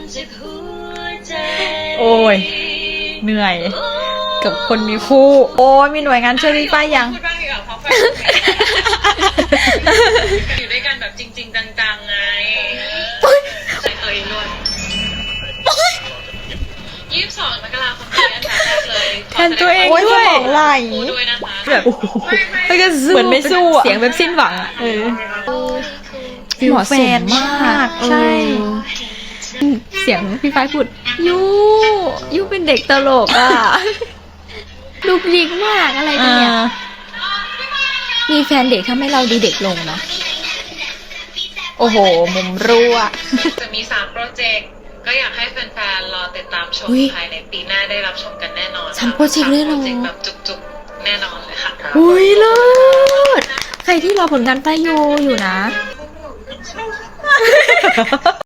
โอ้ยเหนื่อยกับคนมีคู่โอ้ยมีหน่วยงานช่วยพี่ป้ายยังพูดบ้างดีกว่าเพราะแฟนอยู่ด้วยกันแบบจริงๆจังๆไงใส่ตัวเองด้วย22 มกราคมนี้อันดับแรกเลยแทนตัวเองโอ้ยสด้วยมองไหลพูดด้วยนะคะแบบแล้วก็สู้เหมือนไม่สู้อะเสียงแบบสิ้นหวังอะฟิลเหมาะแฟสมนมากใช่ เสียงพี่ฝ้ายพูดยูเป็นเด็กตลกอ่ะลูกยิกมากอะไรกันเนี่ยมีแฟนเด็กทำให้เราดูเด็กลงเนาะโอ้โห มุมรั่วจะมี3โปรเจกต์ก็อยากให้แฟนๆรอติดตามชมอุ๊ยภายในปีหน้าได้รับชมกันแน่นอนสามโปรเจกต์เลยเหรอ 3โปรเจกต์แบบจุกๆแน่นอนเลยค่ะอุ้ยเลิศใครที่รอผลงานป้ายโยอยู่นะ